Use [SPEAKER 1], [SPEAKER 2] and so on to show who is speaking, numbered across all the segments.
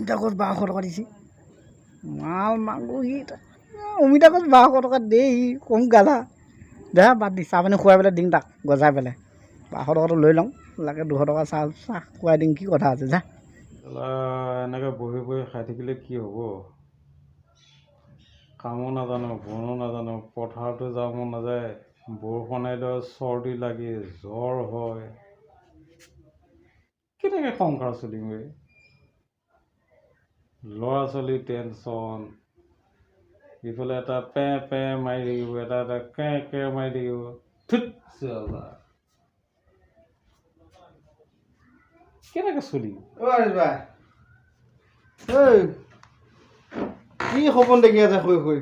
[SPEAKER 1] অমিতা গছ 1200 টকা দিছে মাল মাংস সি অমিতা গছ 1200 টকা দেই সি কম গাধা দে বাদ দি চাহ পানী খুৱাই পেলাই দিম তাক গজাই পেলাই 1200 টকাটো লৈ লওঁ লাগে 200 টকা চাহ খুৱাই দিম কি কথা আছে যা
[SPEAKER 2] এনেকৈ বহি বহি খাই থাকিলে কি হ'ব কামো নাজানো বনো নাজানো পথাৰতো যাব মন নাযায় বৰষুণ আহিলে চৰ্দি লাগি জ্বৰ হয় কেনেকৈ সংসাৰ চলিম বে ল'ৰা ছোৱালী টেনশ্যন ইফালে এটা পে পে মাৰি থাকিব এটা এটা কে মাৰি থাকিব ঠিক কেনেকৈ চলিম
[SPEAKER 3] কি সপোন দেখি আছে শুই শুই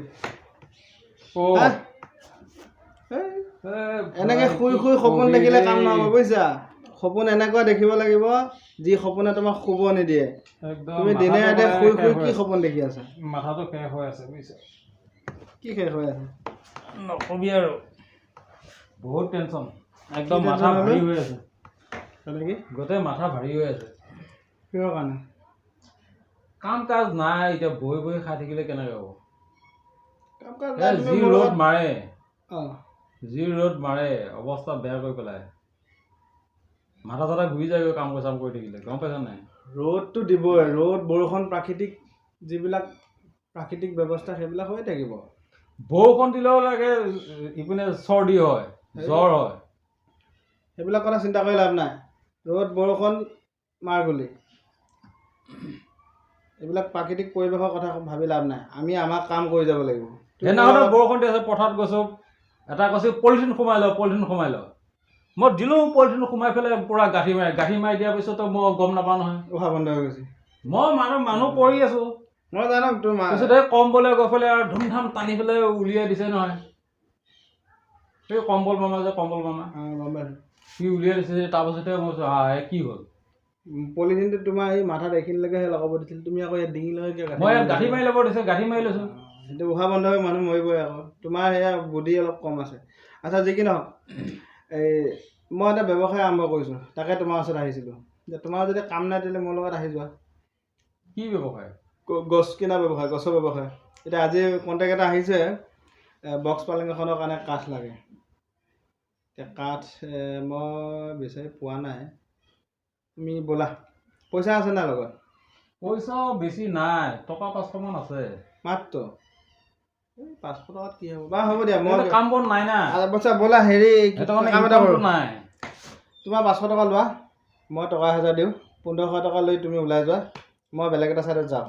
[SPEAKER 3] এনেকে শুই শুই সপোন দেখিলে কাম নহ'ব বুজিছা সপোন এনেকুৱা দেখিব লাগিব যি সপোনে তোমাক শুব নিদিয়ে তুমি দিনে ৰাতে শুই শুই কি সপোন দেখি আছা
[SPEAKER 2] মাথাটো শেষ হৈ আছে বুজিছা
[SPEAKER 3] কি শেষ হৈ আছে
[SPEAKER 2] নকবি আৰু বহুত টেনশ্যন একদম মাথা ভাৰী হৈ আছে
[SPEAKER 3] তেনেকে
[SPEAKER 2] গোটেই মাথা ভাৰী হৈ আছে
[SPEAKER 3] কিহৰ কাৰণে
[SPEAKER 2] কাম কাজ নাই এতিয়া বহি বহি খাই থাকিলে কেনেকৈ হ'ব
[SPEAKER 3] কাম কাজ
[SPEAKER 2] যি ৰ'দ মাৰে
[SPEAKER 3] অঁ
[SPEAKER 2] যি ৰ'দ মাৰে অৱস্থা বেয়া কৰি পেলাই মাথা চাথা ঘূৰি যায়গৈ কাম চাম কৰি থাকিলে গম পাইছা নাই
[SPEAKER 3] ৰ'দটো দিবই ৰ'দ বৰষুণ যিবিলাক প্ৰাকৃতিক ব্যৱস্থা সেইবিলাক হৈ থাকিব
[SPEAKER 2] বৰষুণ দিলেও লাগে ইপিনে চৰ্দি হয় জ্বৰ হয়
[SPEAKER 3] সেইবিলাক কথা চিন্তা কৰি লাভ নাই ৰ'দ বৰষুণ মাৰগুলি এইবিলাক প্ৰাকৃতিক পৰিৱেশৰ কথা ভাবি লাভ নাই আমি আমাৰ কাম কৰি যাব লাগিব
[SPEAKER 2] সেইদিনাখনে বৰষুণ দি আছে পথাৰত গৈছোঁ এটা কৈছে পলিথিন সোমাই লওঁ মই দিলোঁ পলিথিন সোমাই পেলাই পূৰা গাঁঠি মাৰি দিয়াৰ পিছতো মই গম নাপাওঁ নহয়
[SPEAKER 3] উশাহ বন্ধ হৈ গৈছে
[SPEAKER 2] মই মানুহ পৰি আছোঁ
[SPEAKER 3] মই জানো তোমাৰ
[SPEAKER 2] তাৰপিছতে কম্বলে গৈ পেলাই আৰু ধুমধাম টানি পেলাই উলিয়াই দিছে নহয় সেই কম্বল মামা
[SPEAKER 3] গম পাইছোঁ
[SPEAKER 2] সি উলিয়াই দিছে তাৰপাছতে মই কি হ'ল
[SPEAKER 3] পলিথিনটো তোমাৰ এই মাথাত এইখিনিলৈকে লগাব দিছিল তুমি আকৌ ইয়াত ডিঙিলৈকে
[SPEAKER 2] মই ইয়াত গাঁঠি মাৰি ল'ব দিছে গাঁঠি মাৰি লৈছোঁ
[SPEAKER 3] সেইটো উশাহ বন্ধ হৈ মানুহ মৰিবই আকৌ তোমাৰ সেয়া বুদ্ধি অলপ কম আছে আচ্ছা যি কি নহওক মই এটা ব্যৱসায় আৰম্ভ কৰিছোঁ তাকে তোমাৰ ওচৰত আহিছিলোঁ যে তোমাৰ যদি কাম নাই তেতিয়াহ'লে মোৰ লগত আহি যোৱা
[SPEAKER 2] কি ব্যৱসায়
[SPEAKER 3] গছ কিনা ব্যৱসায় গছৰ ব্যৱসায় এতিয়া আজি কণ্টেক্ট এটা আহিছে বক্স পালেং এখনৰ কাৰণে কাঠ লাগে এতিয়া কাঠ মই বিচাৰি পোৱা নাই তুমি ব'লা পইচা আছে নাই লগত
[SPEAKER 2] পইচাও বেছি নাই টকা 500 মান আছে
[SPEAKER 3] মাত্ৰ 500 টকাত কি হ'ব বাৰু হ'ব দিয়া মই
[SPEAKER 2] কাম বন নাই না
[SPEAKER 3] পইচা ব'লা হেৰি কাম এটা কৰোঁ
[SPEAKER 2] নাই
[SPEAKER 3] তোমাৰ 500 টকা লোৱা মই টকা 1000 দিওঁ 1500 টকা লৈ তুমি ওলাই যোৱা মই বেলেগ এটা ছাইডত যাওঁ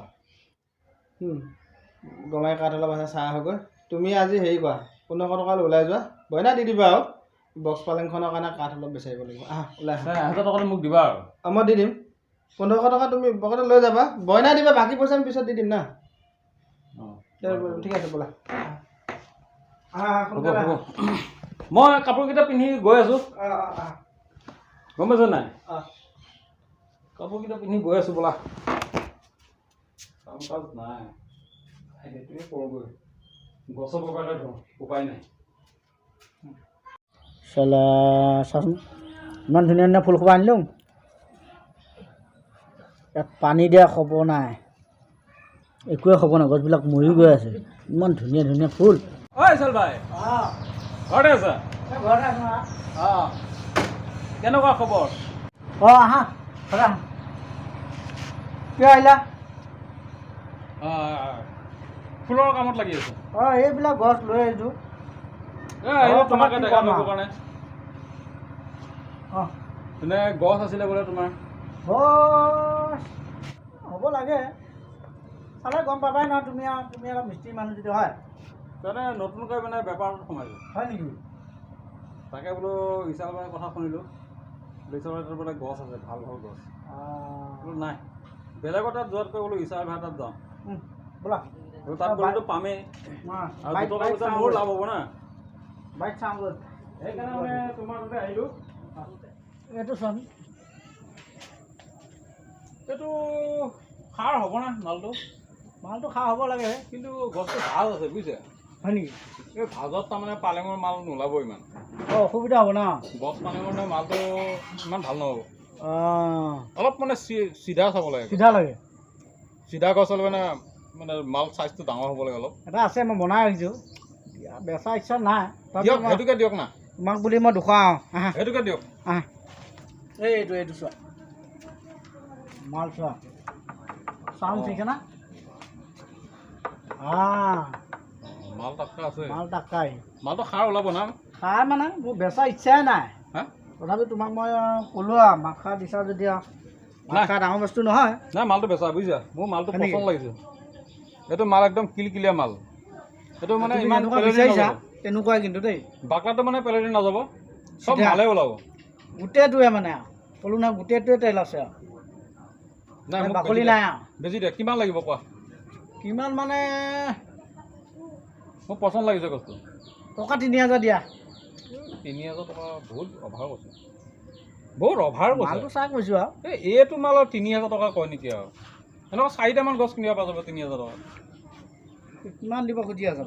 [SPEAKER 3] গমাই কাঠ অলপ আছে চাহ হৈ গৈ তুমি আজি হেৰি কৰা 1500 টকা লৈ ওলাই যোৱা বইনা দি দিবা আৰু বক্স পালেংখনৰ কাৰণে কাঠ অলপ বিচাৰিব লাগিব ওলাই
[SPEAKER 2] 1000 টকাটো মোক দিবা আৰু
[SPEAKER 3] মই দি দিম 1500 টকা তুমি পকেটত লৈ যাবা বইনা দিবা বাকী পইচা আমি পিছত দি দিম না ঠিক আছে ব'লা
[SPEAKER 2] মই কাপোৰকেইটা পিন্ধি গৈ আছোঁ গম পাইছ নাই কাপোৰকেইটা পিন্ধি গৈ আছোঁ ব'লা কাম কাজ নাই সেইটোৱে কৰোঁগৈ গছৰ বগালে ধৰোঁ উপায় নাই
[SPEAKER 1] চালা চাচোন ইমান ধুনীয়া ধুনীয়া ফুল সোপা আনিলোঁ ইয়াত পানী দিয়া খবৰ নাই একোৱে খবৰ নাই গছবিলাক মৰি গৈ আছে ইমান ধুনীয়া ধুনীয়া ফুল
[SPEAKER 2] ঐ চাল ভাই ঘৰতে আছা অঁ কেনেকুৱা খবৰ
[SPEAKER 1] আহা কিয় আহিলা
[SPEAKER 2] ফুলৰ কামত লাগি আছোঁ
[SPEAKER 1] এইবিলাক গছ লৈ আহিছোঁ
[SPEAKER 2] তোমাকে দেখা পাবৰ কাৰণে এনে গছ আছিলে বোলে তোমাৰ
[SPEAKER 1] গছ হ'ব লাগে চালে গম পাবাই নহয় তুমি অলপ মিস্ত্ৰী মানুহ যদি হয়
[SPEAKER 2] তেনে নতুনকৈ মানে বেপাৰত সোমাইছোঁ
[SPEAKER 1] হয় নেকি
[SPEAKER 2] তাকে বোলো বিশাল ভাইৰ কথা শুনিলোঁ বিশাল ভাইৰ বোলে গছ আছে ভাল ভাল গছ বোলো নাই বেলেগৰ তাত যোৱাতকৈ বোলো বিশাল ভাইৰ তাত যাওঁ
[SPEAKER 1] ব'লা
[SPEAKER 2] তাত গ'লেতো পামেই আৰু 2 টকা পইচা মোৰ লাভ হ'ব না
[SPEAKER 1] বাইক চাওঁ গ'ল
[SPEAKER 2] সেইকাৰণে মানে তোমাৰ তাতে আহিলোঁ
[SPEAKER 1] এইটো চোন
[SPEAKER 2] এইটো সাৰ হ'ব না মালটো
[SPEAKER 1] খাৰ হ'ব লাগে
[SPEAKER 2] কিন্তু গছটো ভাল আছে বুজিছে
[SPEAKER 1] হয় নেকি
[SPEAKER 2] এই ভাজত তাৰমানে পালেঙৰ মাল নোলাব ইমান
[SPEAKER 1] অসুবিধা হ'ব না
[SPEAKER 2] গছ পালেঙৰ মালটো ইমান ভাল নহ'ব অলপ মানে চিধা চাব লাগে চিধা গছ হ'লে মানে মাল চাইজটো ডাঙৰ হ'ব লাগে অলপ।
[SPEAKER 1] এটা আছে মই বনাই ৰাখিছোঁ, বেচা ইচ্ছা নাই।
[SPEAKER 2] দিয়ক সেইটোকে দিয়ক না,
[SPEAKER 1] তোমাক বুলি মই দুখাওঁ। আহা
[SPEAKER 2] সেইটোকে দিয়ক।
[SPEAKER 1] আহা এইটো চোৱা, মাল চোৱা, চাউণ্ড ঠিকে না?
[SPEAKER 2] মাল টাক্কা আছে,
[SPEAKER 1] মাল টাক্কাই।
[SPEAKER 2] মালটো সাৰ ওলাব না?
[SPEAKER 1] খাই মানে মোৰ বেচা ইচ্ছাই নাই।
[SPEAKER 2] হা
[SPEAKER 1] তথাপি তোমাক মই ক'লোঁ আৰু মাখা দিছা যদি আৰু মাখা ডাঙৰ বস্তু নহয়।
[SPEAKER 2] নাই মালটো বেচা বুজিছা, মোৰ মালটো পচন্দ লাগিছে। এইটো মাল একদম কিলকিলীয়া মাল। এইটো মানে ইমান
[SPEAKER 1] বিচাৰিছা তেনেকুৱাই কিন্তু দেই।
[SPEAKER 2] বাকলাটো মানে পেলনি নাযাব, চব
[SPEAKER 1] চিধা।
[SPEAKER 2] ভালে ওলাব।
[SPEAKER 1] গোটেইটোৱে মানে আৰু ক'লোঁ নহয় গোটেইটোৱে তেল আছে আৰু
[SPEAKER 2] নাই মোক
[SPEAKER 1] বাকলি
[SPEAKER 2] বেছি
[SPEAKER 1] নাই
[SPEAKER 2] দিয়া।
[SPEAKER 1] আৰু।
[SPEAKER 2] বেছি দিয়া, কিমান লাগিব কোৱা?
[SPEAKER 1] কিমান মানে
[SPEAKER 2] মোক পচন্দ লাগিছে গছটো।
[SPEAKER 1] টকা 3000 দিয়া।
[SPEAKER 2] 3000 টকা বহুত অভাৰ কৈছে, বহুত অভাৰ কৈছে।
[SPEAKER 1] মালটো চাই কৈছোঁ আৰু
[SPEAKER 2] এইটো মালৰ 3000 টকা কয় নেকি আৰু? এনেকুৱা 4টামান গছ কিনিব পৰা যাব 3000 টকা।
[SPEAKER 1] কিমান দিব খুজি আছে?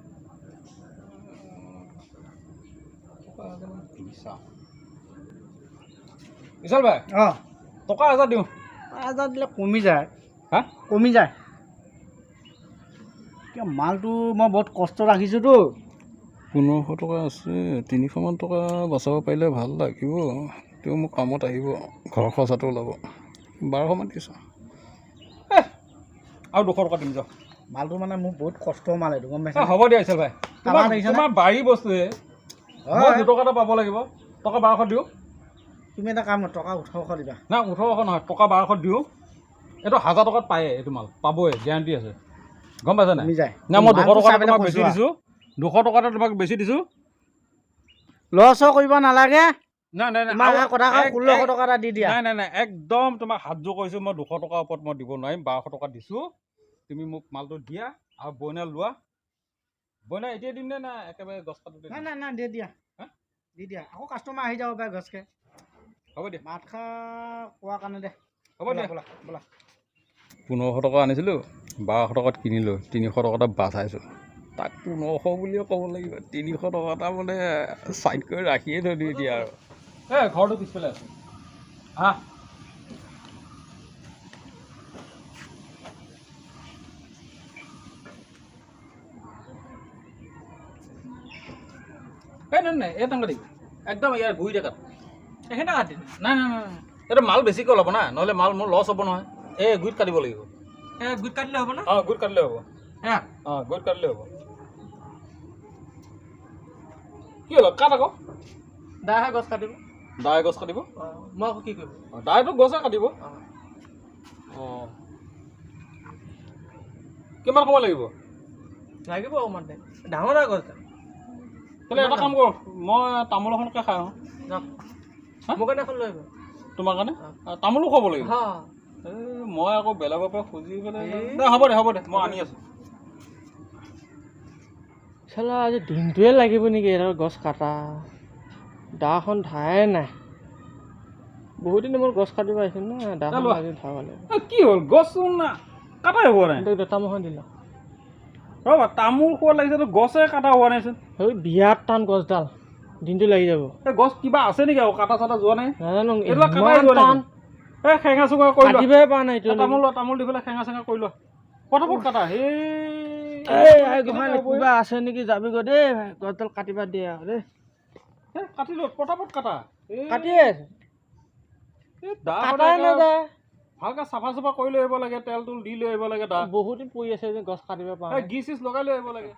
[SPEAKER 2] বিশাল ভাই টকা 1000 দিওঁ।
[SPEAKER 1] 1000 দিলে কমি যায়।
[SPEAKER 2] হা
[SPEAKER 1] কমি যায়। মালটো মই বহুত কষ্ট ৰাখিছোঁতো।
[SPEAKER 2] 1500 টকা আছে, 300মান টকা বচাব পাৰিলে ভাল লাগিব। তেওঁ মোক কামত আহিব, ঘৰ খৰচাটো ওলাব। 1200মান দিছোঁ, আৰু 200 টকা দিম যাওক।
[SPEAKER 1] মালটো মানে মোৰ বহুত কষ্ট মাল এইটো গম পাইছা?
[SPEAKER 2] হ'ব দিয়া বিশাল ভাই, তোমাৰ বাৰী বস্তুহে, মই 2 টকা এটা পাব লাগিব। টকা 1200 দিওঁ।
[SPEAKER 1] তুমি এটা কাম টকা 1800 দিবা।
[SPEAKER 2] নাই 1800 নহয়, টকা 1200 দিওঁ। এইটো 1000 টকাত পায়ে, এইটো মাল পাবই, গেৰাণ্টি আছে। গম পাইছা নাই? নাই মই 200 টকা তোমাক বেছি দিছোঁ, 200 টকাতে তোমাক বেছি দিছোঁ।
[SPEAKER 1] লছো কৰিব নালাগে।
[SPEAKER 2] নাই নাই নাই,
[SPEAKER 1] কথা 1600 টকা এটা দি দিয়া।
[SPEAKER 2] নাই একদম তোমাক হাত জোৰ কৰিছোঁ। মই 200 টকাৰ ওপৰত মই দিব নোৱাৰিম, 1200 টকা দিছোঁ। তুমি মোক মালটো দিয়া আৰু বইনা লোৱা। বইনা এতিয়া দিম নে নাই একেবাৰে গছ কাটোতে?
[SPEAKER 1] নাই দি দিয়া, দি দিয়া। আকৌ কাষ্টমাৰ আহি যাব পাৰে গছকে।
[SPEAKER 2] হ'ব দিয়া,
[SPEAKER 1] মাত খা কোৱাৰ কাৰণে দে।
[SPEAKER 2] হ'ব দিয়া,
[SPEAKER 1] ব'লা ব'লা।
[SPEAKER 2] 1500 টকা আনিছিলোঁ, 1200 টকাত কিনিলোঁ, 300 টকা এটা বাচাইছোঁ। তাক 1500 বুলিয়ে ক'ব লাগিব। 300 টকা এটা মানে চাইড কৰি ৰাখিয়ে থৈ দিওঁ এতিয়া আৰু। ঘৰটো পিছফালে আছে, হা নাই এই টাঙা দিবি একদম ইয়াৰ গুৰি জেগাত সেইখিনি কাটি নাই এইটো মাল বেছিকৈ ওলাব না, নহ'লে মাল মোৰ লছ হ'ব নহয়। এই গুৰিত কাটিব লাগিব। গুৰিত কাটিলে হ'ব না? গুৰিত কাটিলে হ'ব। গুৰিত কাটিলে হ'ব। কি হ'ল কাট আকৌ
[SPEAKER 1] দাহে গছ কাটিব।
[SPEAKER 2] দাই গছ কাটিব,
[SPEAKER 1] মই আকৌ কি কৰিব?
[SPEAKER 2] দাইটো গছে কাটিব। কিমান সময় লাগিব?
[SPEAKER 1] লাগিব অকণমান টাইম। ডাঙৰ গছ
[SPEAKER 2] তেতিয়াহ'লে এটা কাম কৰোঁ, মই তামোল এখনকে খাই আহোঁ।
[SPEAKER 1] মোৰ কাৰণে এখন লৈ আহিব।
[SPEAKER 2] তোমাৰ কাৰণে তামোলো খাব লাগিব। মই আকৌ বেলেগৰ পৰা খুজি পেলাই হ'ব দে মই আনি আছোঁ।
[SPEAKER 1] চালা আজি দিনটোৱে লাগিব নেকি এটা গছ কাটা? দাখন ধাৰে নাই। বহুত দিন মোৰ গছ কাটিব আহিছিল না, দাখন আজি ধাৰ লাগিব।
[SPEAKER 2] কি হ'ল গছ কাটাই হোৱা নাই?
[SPEAKER 1] তামোলখন দিলা
[SPEAKER 2] ৰ'বা, তামোল খোৱা লাগিছে, গছে কাটা হোৱা নাইচোন।
[SPEAKER 1] সেই বিৰাট টান গছডাল, দিনটো লাগি যাব।
[SPEAKER 2] এই গছ কিবা আছে নেকি আৰু কাটা চাটা যোৱা নাই?
[SPEAKER 1] নাজানো
[SPEAKER 2] এইবিলাক কাটাই যোৱা নাই। এই সেঙা চেঙা কৰি লোৱা,
[SPEAKER 1] কাটিবই পৰা নাই।
[SPEAKER 2] তামোল দি পেলাই সেঙা চেঙা কৰি লোৱা, পটাপট কাটা।
[SPEAKER 1] কিবা আছে নেকি? যাবি গৈ দেই, গছডাল কাটিবা দিয়ে আৰু দেই।
[SPEAKER 2] কাটি লোৱা, পটাপট কাটা।
[SPEAKER 1] কাটিয়ে
[SPEAKER 2] ভালকে চাফা চাফা কৰি লৈ আহিব লাগে, তেল তুল দি লৈ আহিব লাগে। দা
[SPEAKER 1] বহুত দিন পৰি আছে যে গছ কাটিব পৰা।
[SPEAKER 2] গি চিজ লগাই লৈ আহিব লাগে।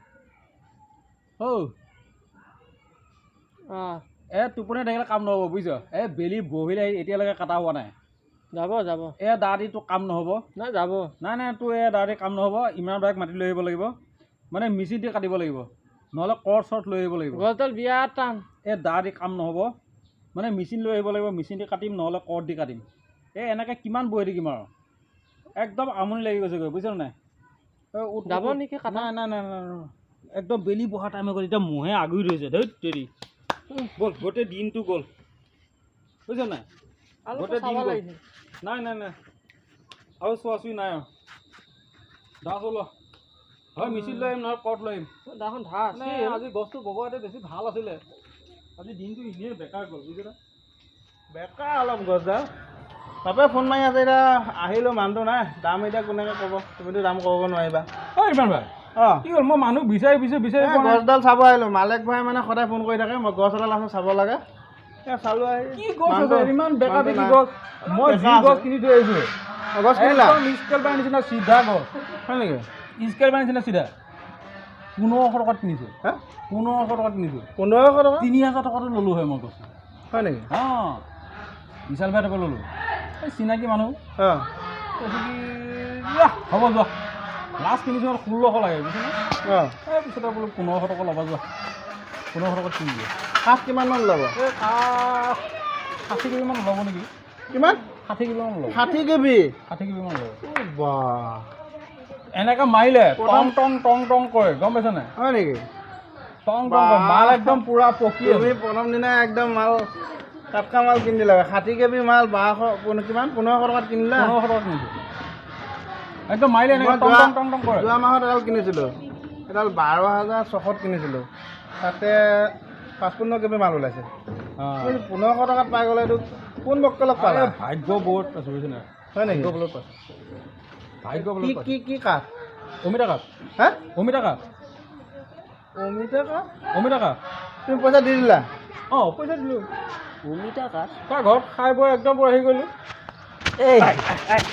[SPEAKER 2] টোপনি থাকিলে কাম নহ'ব বুজিছ। বেলি বহিলে এতিয়ালৈকে কাটা হোৱা নাই।
[SPEAKER 1] যাব
[SPEAKER 2] দা দি তোৰ কাম নহ'ব।
[SPEAKER 1] নাই যাব
[SPEAKER 2] নাই তোৰ দা দি কাম নহ'ব। ইমান ডাইৰেক্ট মাটি লৈ আহিব লাগিব, মানে মেচিন দি কাটিব লাগিব, নহ'লে কৰ্ট চৰ্ট লৈ আহিব লাগিব।
[SPEAKER 1] গছডাল বিৰাট টান।
[SPEAKER 2] দা দি কাম নহ'ব, মানে মেচিন লৈ আহিব লাগিব। মেচিন দি কাটিম, নহ'লে কৰ্ট দি কাটিম। এনেকৈ কিমান বহি থাকিম আৰু, একদম আমনি লাগি গৈছেগৈ বুজিছ নাই?
[SPEAKER 1] যাব নেকি?
[SPEAKER 2] নাই একদম বেলি বহা টাইম হৈ গ'ল। এতিয়া মহে আগুৰি ধৰিছে। ধেত তেৰি গ'ল, গোটেই দিনটো গ'ল বুজিছ নাই? গোটেই দিন গ'ল। নাই আৰু চোৱাচুই নাই আৰু। দা চলোৱা হয়, মেচিন লৈ আহিম নহয় কৰ্ট লৈ আহিম।
[SPEAKER 1] দাখন ধাৰ
[SPEAKER 2] আজি গছটো বগোৱাতে বেছি ভাল আছিলে। আজি দিনটো এনেই বেকাৰ গ'ল বুজিছ। বেকাৰ অলপ গছডাল
[SPEAKER 3] বাপে ফোন মাৰি আছে এতিয়া আহিলোঁ মানুহটো নাই দাম এতিয়া কোনেকৈ ক'ব তুমিতো দাম ক'ব নোৱাৰিবা
[SPEAKER 2] ঐ ইমান ভাই
[SPEAKER 3] অঁ
[SPEAKER 2] কি হ'ল মই মানুহ বিচাৰি পোৱা নাই।
[SPEAKER 3] গছডাল চাব আহিলোঁ মালেক ভাই মানে সদায় ফোন কৰি থাকে মই গছ এডাল আছে চাব লাগে চালোঁ আহি
[SPEAKER 2] কি গছ আছে
[SPEAKER 3] মানুহটো-
[SPEAKER 2] ইমান বেকা বেকি
[SPEAKER 3] নাই।
[SPEAKER 2] গছ মই যি
[SPEAKER 3] বেকা আছে।
[SPEAKER 2] গছ কিনি থৈ আহিছোঁ
[SPEAKER 3] গছ কিনিলা
[SPEAKER 2] স্কেল পাই নিচিনা চিধা গছ
[SPEAKER 3] হয় নেকি
[SPEAKER 2] স্কেল পাই নিচিনা চিধা 1500 টকাত কিনিছোঁ
[SPEAKER 3] হা
[SPEAKER 2] 1500 টকাত কিনিছোঁ
[SPEAKER 3] 1500 টকা
[SPEAKER 2] 3000 টকাতো ল'লোঁ হয় মই গছ
[SPEAKER 3] হয় নেকি
[SPEAKER 2] অঁ বিশাল ভাই টকা ল'লোঁ এই চিনাকি মানুহ
[SPEAKER 3] অঁ
[SPEAKER 2] কৈছোঁ কি যোৱা হ'ব যোৱা লাষ্ট কিনিছোঁ 1600 লাগে বুজিছেনে
[SPEAKER 3] অঁ
[SPEAKER 2] এই পিছতে বোলো 1500 টকা ল'বা যোৱা 1500 টকাত কিনি দিয়ে
[SPEAKER 3] কাঠ কিমানমান ল'ব
[SPEAKER 2] এই কাঠ 60 কেবিমান ল'ব নেকি
[SPEAKER 3] কিমান
[SPEAKER 2] 60 কেবিমান ল'ব
[SPEAKER 3] 60 কেবি
[SPEAKER 2] 60 কেবিমান ল'ব
[SPEAKER 3] বাহ
[SPEAKER 2] এনেকৈ মাৰিলে টং টং টং টং কৰে গম পাইছ নাই
[SPEAKER 3] হয় নেকি
[SPEAKER 2] টং টং কৰে মাল একদম পূৰা পকি
[SPEAKER 3] তুমি প্ৰথম দিনাই একদম মাল টাটকা মাল কিনি দিলা 60 কেবি মাল 1200 কিমান 1500 টকাত কিনিলা
[SPEAKER 2] 1500 টকাত কিনিছোঁ একদম মাৰিলে এনেকৈ
[SPEAKER 3] মই
[SPEAKER 2] টং টং টং টং কৰে
[SPEAKER 3] যোৱা মাহত এডাল কিনিছিলোঁ এডাল 12,600ত কিনিছিলোঁ তাতে 55 কেবি মাল ওলাইছে 1500 টকাত পাই গ'লে এইটো কোন বক্কলক পালা
[SPEAKER 2] ভাগ্য বহুত পাইছোঁ বুজিছে নাই
[SPEAKER 3] হয় নেকি
[SPEAKER 2] ভাগ্য বলত পাইছোঁ ভাগ্য বলত
[SPEAKER 3] কি
[SPEAKER 2] পাইছোঁ
[SPEAKER 3] কি কি কাঠ
[SPEAKER 2] অমিতা কাঠ
[SPEAKER 3] হা
[SPEAKER 2] অমিতা কাঠ
[SPEAKER 3] অমিতা কাঠ
[SPEAKER 2] অমিতা কাঠ
[SPEAKER 3] তুমি পইচা দি দিলা
[SPEAKER 2] অঁ পইচা দিলোঁ
[SPEAKER 1] অমিতা কাঠ
[SPEAKER 2] তাৰ ঘৰত খাই বৈ একদম পূৰা হেৰি কৰিলোঁ
[SPEAKER 1] এই